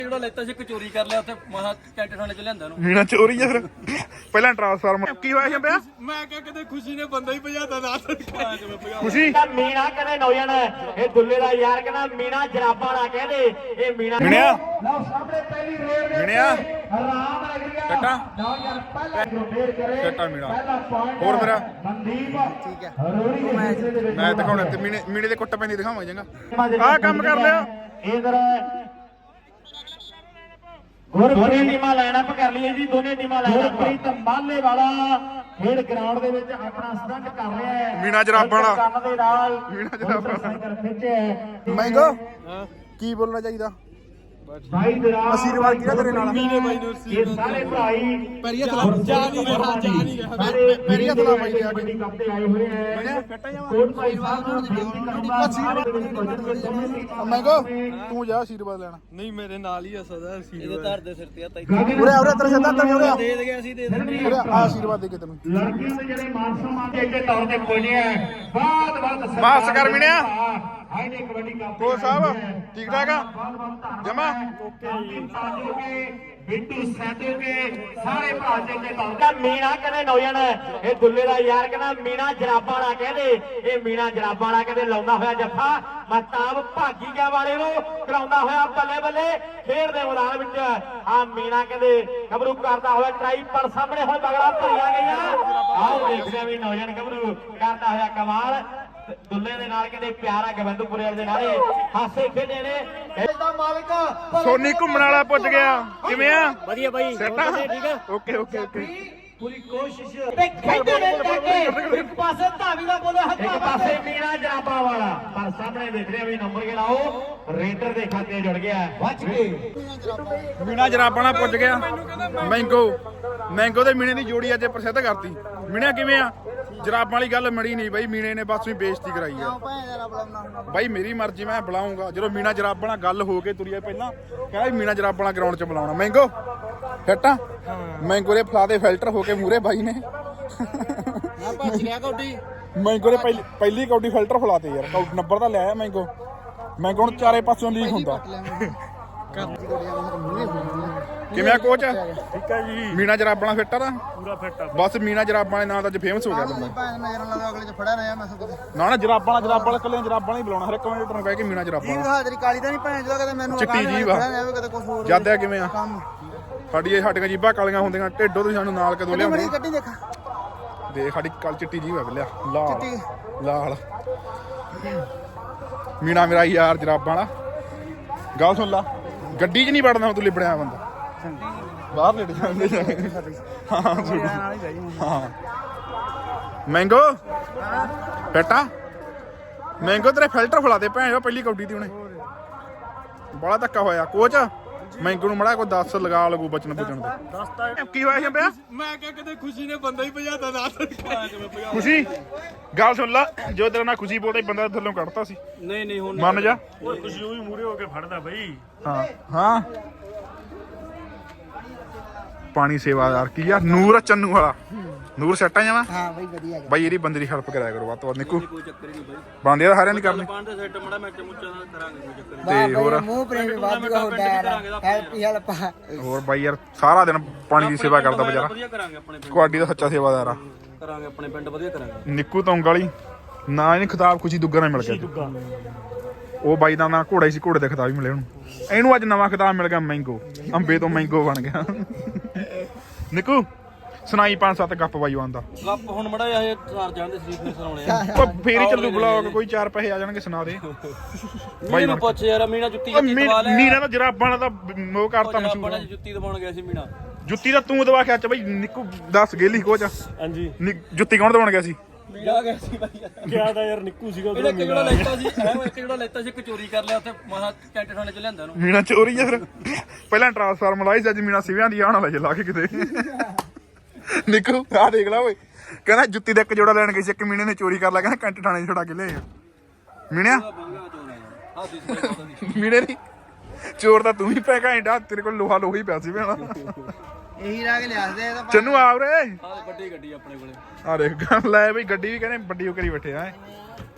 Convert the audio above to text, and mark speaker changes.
Speaker 1: ਜਿਹੜਾ ਲੈਤਾ ਸੀ ਚੋਰੀ ਕਰ ਲਿਆ ਉੱਥੇ ਮਹਾ ਕੈਂਟ ਥਾਣੇ ਚ ਲਿਆਂਦਾ ਨੂੰ
Speaker 2: ਮੀਣਾ ਚੋਰੀ ਆ ਫਿਰ ਪਹਿਲਾਂ ਟ੍ਰਾਂਸਫਾਰਮਰ ਕੀ ਹੋਇਆ ਸ਼ੰਬਿਆ
Speaker 1: ਮੈਂ ਕਿਹਾ ਕਿਤੇ ਖੁਸ਼ੀ ਨੇ ਬੰਦਾ ਹੀ ਭਜਾਤਾ ਨਾ
Speaker 2: ਖੁਸ਼ੀ
Speaker 3: ਮੀਣਾ ਕਹਿੰਦੇ ਨੌਜਣ ਇਹ ਦੁੱਲੇ ਦਾ ਯਾਰ ਕਹਿੰਦਾ ਮੀਣਾ ਜਰਾਬਾਂ ਨਾ ਕਹਿੰਦੇ ਇਹ ਮੀਣਾ
Speaker 2: ਮੀਣਿਆ
Speaker 3: ਲਓ ਸਾਹਮਣੇ ਪਹਿਲੀ ਰੇਡ
Speaker 2: ਮੀਣਿਆ
Speaker 3: ਆਰਾਮ ਲੱਗ ਰਿਹਾ
Speaker 2: ਕੱਟਾ
Speaker 3: ਨੌਜਣ ਪਹਿਲਾ ਰੋਟੇਟ ਕਰੇ
Speaker 2: ਕੱਟਾ ਮੀਣਾ
Speaker 3: ਪਹਿਲਾ ਪੁਆਇੰਟ
Speaker 2: ਹੋਰ ਮੇਰਾ
Speaker 3: ਮਨਦੀਪ ਠੀਕ ਹੈ ਰੋੜੀ ਦੇ ਹਿੱਸੇ ਦੇ ਵਿੱਚ
Speaker 2: ਮੈਂ ਦਿਖਾਉਣਾ ਤੇ ਮੀਣੇ ਦੇ ਕੁੱਟ ਪੈਂਦੀ ਦਿਖਾਵਾਂ ਚੰਗਾ ਆਹ ਕੰਮ ਕਰ ਲਿਆ
Speaker 3: ਇਧਰ ਦੋਨੇ ਟੀਮਾਂ ਲਾਈਨ ਅਪ ਕਰ ਲਈਏ ਜੀ ਦੋਨੇ ਟੀਮਾਂ ਲਾਈਨ ਅਪ ਪ੍ਰੀਤ ਮਾਲੇ ਵਾਲਾ ਖੇਡ ਗਰਾਊਂਡ ਦੇ ਵਿੱਚ ਆਪਣਾ ਸਟੰਟ ਕਰ ਰਿਹਾ ਹੈ
Speaker 2: ਮੀਣਾ ਜਰਾਬਾਂ ਵਾਲਾ
Speaker 3: ਕੰਨ ਦੇ ਨਾਲ
Speaker 2: ਮੀਣਾ ਜਰਾਬਾਂ
Speaker 3: ਸਾਈਕਲ ਖਿੱਚਿਆ
Speaker 2: ਮਹਿੰਗੋ ਕੀ ਬੋਲਣਾ ਚਾਹੀਦਾ
Speaker 3: ਭਾਈ ਦਰਾਜ
Speaker 2: ਆਸ਼ੀਰਵਾਦ ਕਿਹਦਾ ਤੇਰੇ ਨਾਲ
Speaker 1: ਮੀਨੇ ਬਾਈ ਨੂੰ
Speaker 3: ਇਹ ਸਾਰੇ ਭਾਈ
Speaker 1: ਪੈਰੀਆ ਥਲਾ ਜਾ ਨਹੀਂ ਰਿਹਾ
Speaker 3: ਪੈਰੀਆ ਥਲਾ ਭਾਈ ਦੇ ਵੱਡੀ ਕੱਪ ਤੇ ਆਏ ਹੋਏ ਹੈ ਕੋਟ ਭਾਈ ਸਾਹਿਬ ਨੂੰ ਬੇਨਤੀ ਕਰੂੰਗਾ ਸਾਰੇ ਦੇ ਵਿੱਚ ਭਜਨ ਦੇ ਸਮੇਂ
Speaker 2: ਮਹਿੰਗੋ ਤੂੰ ਜਾ ਆਸ਼ੀਰਵਾਦ ਲੈਣਾ
Speaker 1: ਨਹੀਂ ਮੇਰੇ ਨਾਲ ਹੀ ਆ ਸਦਾ ਇਹਦੇ ਧਰ ਦੇ ਸਿਰ ਤੇ ਆ ਤਾਈ
Speaker 2: ਉਰੇ ਉਰੇ ਤੇਰੇ ਸਿੱਧਾ ਤੇਰੇ ਉਰੇ
Speaker 1: ਦੇ ਦੇ ਗਿਆ ਸੀ ਦੇ ਦੇ
Speaker 2: ਉਰੇ ਆ ਆਸ਼ੀਰਵਾਦ ਦੇ ਕੇ ਤੈਨੂੰ
Speaker 3: ਲੜਕੀਆਂ ਦੇ ਜਿਹੜੇ ਮਾਨ ਸਨਮਾਨ ਦੇ ਅੱਗੇ ਤੌਰ ਤੇ ਪੁੱਜੇ ਹੈ ਬਾਤ
Speaker 2: ਮਾਫ ਕਰ ਮਿਣਿਆ
Speaker 3: ਹਾਈ ਨੇ ਕਬੱਡੀ ਕੱਪ
Speaker 2: ਕੋ ਸਾਹਿਬ ਠੀਕ ਠਾਕ ਆ ਜਮਾ
Speaker 3: ਬਿੱਟੂ ਸੈਦੋਗੇ ਸਾਰੇ ਭਰਾ ਚੇਤੇ ਤੌਰ ਮੀਣਾ ਕਹਿੰਦੇ ਨੌਜਣ ਇਹ ਦੁੱਲੇ ਦਾ ਯਾਰ ਕਹਿੰਦਾ ਮੀਣਾ ਜਰਾਬਾਂ ਵਾਲਾ ਕਹਿੰਦੇ ਇਹ ਮੀਣਾ ਜਰਾਬਾਂ ਵਾਲਾ ਕਹਿੰਦੇ ਲਾਉਂਦਾ ਹੋਇਆ ਜੱਫਾ ਮਹਤਾਬ ਭਾਗੀਆਂ ਵਾਲੇ ਨੂੰ ਕਰਾਉਂਦਾ ਹੋਇਆ ਬੱਲੇ ਬੱਲੇ ਖੇਡ ਦੇ ਮੈਦਾਨ ਵਿੱਚ ਆ ਮੀਣਾ ਕਹਿੰਦੇ ਗੱਭਰੂ ਕਰਦਾ ਹੋਇਆ ਟਰਾਈ ਪਰ ਸਾਹਮਣੇ ਹੁਣ ਬਗੜਾ ਭਰੀਆਂ ਗਈਆਂ ਆਓ ਦੇਖਦੇ ਆ ਵੀ ਨੌਜਣ ਗੱਭਰੂ ਕਰਦਾ ਹੋਇਆ ਕਮਾਲ ਦੁੱਲੇ ਦੇ ਨਾਲ ਕਹਿੰਦੇ ਪਿਆਰਾ ਗਵਿੰਦਪੁਰੇ ਦੇ ਨਾਲ ਹਾਸੇ ਖੇਡੇ ਨੇ ਇਹਦਾ ਮਾਲਕ
Speaker 2: ਸੋਨੀ ਘੁੰਮਣ ਵਾਲਾ ਪੁੱਜ ਗਿਆ ਕਿਵੇਂ ਆ
Speaker 1: ਵਧੀਆ ਬਾਈ
Speaker 2: ਸੈਟ ਆ
Speaker 1: ਠੀਕ ਆ
Speaker 2: ਓਕੇ ਓਕੇ ਓਕੇ
Speaker 3: ਪੂਰੀ ਕੋਸ਼ਿਸ਼ ਤੇ ਖੇਡੇ ਨੇ ਕੇ ਇੱਕ ਪਾਸੇ ਧਾਵੀ ਦਾ ਬੋਲੇ ਹੱਥਾਂ ਇੱਕ ਪਾਸੇ ਮੀਣਾ ਜਰਾਬਾਂ ਵਾਲਾ ਪਰ ਸਾਹਮਣੇ ਦੇਖ ਰਿਹਾ ਵੀ ਨੰਬਰ ਕਿਹੜਾ ਉਹ ਰੇਡਰ ਦੇ ਖਾਤੇ ਜੁੜ ਗਿਆ ਵੱਜ ਕੇ
Speaker 2: ਮੀਣਾ ਜਰਾਬਾਂ ਨਾਲ ਪੁੱਜ ਗਿਆ ਮੈਂਗੋ ਤੇ ਮੀਣੇ ਦੀ ਜੋੜੀ ਅੱਜ ਪ੍ਰਸਿੱਧ ਕਰਤੀ ਮੀਣਾ ਕਿਵੇਂ ਆ ਜਰਾਬਾਂ ਵਾਲੀ ਗੱਲ ਮੜੀ ਨਹੀਂ ਬਾਈ ਮੀਣੇ ਨੇ ਬਸ ਵੀ ਬੇਇੱਜ਼ਤੀ ਕਰਾਈ ਆ ਬਾਈ ਮੇਰੀ ਮਰਜ਼ੀ ਮੈਂ ਬੁਲਾਉਂਗਾ ਜਦੋਂ ਮੀਣਾ ਜਰਾਬਾਂ ਨਾਲ ਗੱਲ ਹੋ ਕੇ ਤੁਰੀ ਆ ਪਹਿਲਾਂ ਕਹਿੰਦਾ ਮੀਣਾ ਜਰਾਬਾਂ ਵਾਲਾ ਗਰਾਊਂਡ 'ਚ ਬੁਲਾਉਣਾ ਮੈਂਗੋ ਫਿੱਟਾ ਮੈਂਗੋ ਦੇ ਫਲਾ ਦੇ ਫਿਲਟਰ ਹੋ ਕੇ ਮੂਰੇ ਬਾਈ ਨੇ
Speaker 1: ਨਾ ਭੱਜ ਗਿਆ ਕੌਡੀ
Speaker 2: ਮੈਂਗੋ ਦੇ ਪਹਿਲੀ ਕੌਡੀ ਫਿਲਟਰ ਫਲਾਤੇ ਯਾਰ ਨੰਬਰ ਤਾਂ ਲਿਆਇਆ ਮੈਂਗੋ ਹੁਣ ਚਾਰੇ ਪਾਸੋਂ ਲੀਕ ਹੁੰਦਾ ਕਿਵੇਂ ਆ ਕੋਚ
Speaker 4: ਠੀਕ ਹੈ ਜੀ
Speaker 2: ਮੀਣਾ ਜਰਾਬਾਂ ਨਾਲ ਫਿੱਟ ਆ ਤਾਂ
Speaker 4: ਪੂਰਾ ਫਿੱਟ ਆ
Speaker 2: ਬਸ ਮੀਣਾ ਜਰਾਬਾਂ ਦੇ ਨਾਂ ਤਾਂ ਅੱਜ ਫੇਮਸ ਹੋ ਗਿਆ ਬੰਦਾ
Speaker 5: ਅਗਲੇ ਚ ਫੜਿਆ ਰਿਹਾ ਮੈਂ ਸਗੋਂ
Speaker 2: ਨਾ ਜਰਾਬਾਂ ਵਾਲਾ ਕੱਲੇ ਜਰਾਬਾਂ ਨਾਲ ਹੀ ਬੁਲਾਉਣਾ ਹਰ ਇੱਕ ਕਮੈਂਟਰ ਨੂੰ ਕਹਿ ਕੇ ਮੀਣਾ ਜਰਾਬਾਂ ਵਾਲਾ।
Speaker 5: ਹਾਜ਼ਰੀ ਕਾਲੀ ਤਾਂ ਨਹੀਂ ਭੈਣ ਜਦੋਂ ਕਦੇ ਮੈਨੂੰ
Speaker 2: ਚਿੱਟੀ ਜੀਭ ਆ।
Speaker 5: ਕਦੇ ਕੁਝ ਹੋਰ
Speaker 2: ਜਦ ਆ ਕਿਵੇਂ ਆ
Speaker 5: ਕੰਮ
Speaker 2: ਸਾਡੀਆਂ ਜੀਭਾਂ ਕਾਲੀਆਂ ਹੁੰਦੀਆਂ ਢਿੱਡੋਂ ਤੁਸੀਂ ਸਾਨੂੰ ਨਾਲ ਕਦੋਂ
Speaker 5: ਮੜੀ
Speaker 2: ਲਿਆਉਂਦੇ
Speaker 5: ਕੱਢੀ ਦੇਖਾ
Speaker 2: ਦੇਖ ਸਾਡੀ ਕੱਲ ਚਿੱਟੀ ਜੀਭ ਆ ਬਿਲਿਆ
Speaker 5: ਚਿੱਟੀ।
Speaker 2: ਲਾਲ ਮੀਣਾ ਮੇਰਾ ਯਾਰ ਜਰਾਬਾਂ ਵਾਲਾ ਗੱਲ ਸੁਣ ਲਾ ਗੱਡੀ 'ਚ ਨਹੀਂ ਵੜਨਾ ਤੂੰ ਲਿਬੜਿਆ ਬੰਦਾ ਬਾਹਰ ਲੇਟ ਜਾਂਦੇ ਹਾਂ ਮੈਂਗੋ ਬੇਟਾ ਮੈਂਗੋ ਤੇਰੇ ਫਿਲਟਰ ਫਲਾ ਦੇ ਭੈਣ ਪਹਿਲੀ ਕੌਡੀ ਦੀ ਉਹਨੇ ਬੜਾ ਧੱਕਾ ਹੋਇਆ ਕੋਚ ਮੈਂਗੋ ਨੂੰ ਮੜਾ ਕੋਈ 10 ਲਗਾ ਲਗੂ ਬਚਨ ਬੁਚਣ ਦੇ ਕੀ ਹੋਇਆ ਸ਼ੰਬਿਆ
Speaker 1: ਮੈਂ ਕਿਹਾ ਕਿਤੇ ਖੁਸ਼ੀ ਨੇ ਬੰਦਾ ਹੀ ਭਜਾਤਾ ਨਾ
Speaker 2: ਖੁਸ਼ੀ ਗੱਲ ਸੁਣ ਲਾ ਜੋ ਤੇਰੇ ਨਾਲ ਖੁਸ਼ੀ ਬੋਲਦਾ ਬੰਦਾ ਥੱਲੋਂ ਕੱਢਤਾ ਸੀ
Speaker 1: ਨਹੀਂ ਹੁਣ
Speaker 2: ਮੰਨ ਜਾ
Speaker 4: ਓਏ ਖੁਸ਼ੀ ਉਹ ਵੀ ਮੂਰੇ ਹੋ ਕੇ ਫੜਦਾ ਬਈ
Speaker 2: ਹਾਂ ਪਾਣੀ ਸੇਵਾਦਾਰ ਕੀ ਆ ਨੂਰ ਚੰਨੂ ਵਾਲਾ ਨੂਰ ਸੈੱਟਾਂ ਜਾਵਾ
Speaker 5: ਹਾਂ ਬਈ ਵਧੀਆ
Speaker 2: ਬਾਈ ਇਹਦੀ ਬੰਦੇ ਦੀ ਹੈਲਪ ਕਰਾਇਆ ਕਰੋ ਵੱਧ ਤੋਂ ਵੱਧ ਨਿੱਕੂ
Speaker 1: ਕੋਈ ਚੱਕਰ ਹੀ ਨਹੀਂ ਬਾਈ
Speaker 2: ਬੰਦੇ ਤਾਂ ਸਾਰਿਆਂ ਦੀ ਕਰਨੀ
Speaker 1: ਪਾਣ ਦੇ ਸੈੱਟ ਮੜਾ ਮੈਚ ਮੁੱਚਾ ਨਾਲ ਕਰਾਂਗੇ ਕੋਈ ਚੱਕਰ
Speaker 2: ਤੇ ਹੋਰ
Speaker 5: ਮੂੰਹ ਪ੍ਰੇਮ ਵਾਧੂਗਾ ਹੁੰਦਾ ਹੈਲਪ
Speaker 2: ਹੋਰ ਬਾਈ ਯਾਰ ਸਾਰਾ ਦਿਨ ਪਾਣੀ ਦੀ ਸੇਵਾ ਕਰਦਾ ਵਿਚਾਰਾ
Speaker 1: ਵਧੀਆ ਕਰਾਂਗੇ ਆਪਣੇ ਪਿੰਡ
Speaker 2: ਕੁਆਡੀ ਦਾ ਸੱਚਾ ਸੇਵਾਦਾਰ ਆ
Speaker 1: ਕਰਾਂਗੇ ਆਪਣੇ ਪਿੰਡ ਵਧੀਆ ਕਰਾਂਗੇ
Speaker 2: ਨਿੱਕੂ ਤੌਂਗ ਵਾਲੀ ਨਾ ਇਹਨੂੰ ਖਿਤਾਬ ਖੁਸ਼ੀ ਦੁੱਗਾ ਨਾਲ ਮਿਲ ਗਿਆ ਉਹ ਬਾਈ ਦਾ ਨਾਂ ਘੋੜਾ ਹੀ ਸੀ ਘੋੜੇ ਦਾ ਖਿਤਾਬ ਵੀ ਮਿਲਿਆ ਇਹਨੂੰ ਅੱਜ ਨਵਾਂ ਖਿਤਾਬ ਮਿਲ ਗਿਆ ਮੈਂਗੋ ਅੰਬੇ ਤੋਂ ਮੈਂਗੋ ਬਣ ਗਿਆ ਨਿੱਕੂ ਸੁਣਾਈ 5-7 ਗੱਪ ਬਾਈ ਆਉਂਦਾ
Speaker 1: ਗੱਪ ਹੁਣ ਮੜਾ ਇਹ ਸਾਰ ਜਾਂਦੇ ਸਰੀਰ ਨੇ ਸੁਣਾਉਣੇ ਆ
Speaker 2: ਉਹ ਫੇਰ ਹੀ ਚੱਲੂ ਬਲੌਗ ਕੋਈ 4 ਪੈਸੇ ਆ ਜਾਣਗੇ ਸੁਣਾ ਦੇ
Speaker 1: ਬਾਈ ਨੂੰ ਪੁੱਛ ਯਾਰ ਮੀਨਾ ਜੁੱਤੀ ਦਵਾ ਲੈ
Speaker 2: ਮੀਨਾ ਦਾ ਜਰਾਬਾਂ ਨਾਲ ਤਾਂ ਉਹ ਕਰਤਾ
Speaker 1: ਬੜਾ
Speaker 2: ਮਸ਼ਹੂਰ
Speaker 1: ਜੁੱਤੀ ਦਵਾਉਣ ਗਿਆ ਸੀ ਮੀਨਾ
Speaker 2: ਜੁੱਤੀ ਦਾ ਤੂੰ ਦਵਾ ਕੇ ਅੱਜ ਬਾਈ ਨਿੱਕੂ ਦੱਸ ਗੇਲੀ ਕੋਚ
Speaker 4: ਹਾਂਜੀ
Speaker 2: ਜੁੱਤੀ ਕੌਣ ਦਵਾਉਣ ਗਿਆ ਸੀ
Speaker 1: ਜਾ ਗਿਆ ਸੀ ਬਾਈ
Speaker 4: ਕਿਹਾ ਤਾਂ ਯਾਰ ਨਿੱਕੂ ਸੀਗਾ
Speaker 1: ਇਹਨੇ ਕਿਹੜਾ ਲੈਤਾ ਸੀ ਇੱਕ ਜਿਹੜਾ ਲੈਤਾ ਸੀ ਚੋਰੀ ਕਰ ਲਿਆ ਉੱਥੇ ਮਹਾ ਕੈਂਟ ਥਾਣੇ ਚ ਲਿਆਂਦਾ ਨੂੰ
Speaker 2: ਮੀਨਾ ਚੋਰੀ ਆ ਫਿਰ ਪਹਿਲਾਂ ਟ੍ਰਾਂਸਫਾਰਮਰ ਲਾਈ ਸੀ ਅੱਜ ਮੀਨਾ ਸਿਵਿਆਂ ਦੀ ਆਉਣ ਵਾਲਾ ਲਾ ਕੇ ਕਿਤੇ ਨਿੱਕੂ ਆ ਦੇਖ ਲਾ ਓਏ ਕਹਿੰਦਾ ਜੁੱਤੀ ਦਾ ਇੱਕ ਜੋੜਾ ਲੈਣ ਗਈ ਸੀ ਇੱਕ ਮੀਨੇ ਨੇ ਚੋਰੀ ਕਰ ਲਿਆ ਕਹਿੰਦਾ ਕੈਂਟ ਥਾਣੇ ਛੁਡਾ ਕੇ ਲਿਆਏ ਮੀਨਿਆ ਮੀਨੇ ਦੀ ਚੋਰ ਤਾਂ ਤੂੰ ਵੀ ਪੈ ਘੈਂਟਾ ਤੇਰੇ ਕੋਲ ਲੋਹਾ ਹੀ ਪਿਆ ਸੀ ਭੈਣਾ
Speaker 5: ਇਹੀ ਰਾਗ ਲਿਆਸਦੇ ਇਹ ਤਾਂ
Speaker 2: ਚੰਨੂ ਆ ਉਰੇ
Speaker 1: ਵੱਡੀ ਗੱਡੀ ਆਪਣੇ ਕੋਲੇ
Speaker 2: ਆ ਦੇਖ ਲੈ ਬਈ ਗੱਡੀ ਵੀ ਕਹਿੰਦੇ ਵੱਡੀ ਉਹ ਕਰੀ ਬੈਠੇ ਆ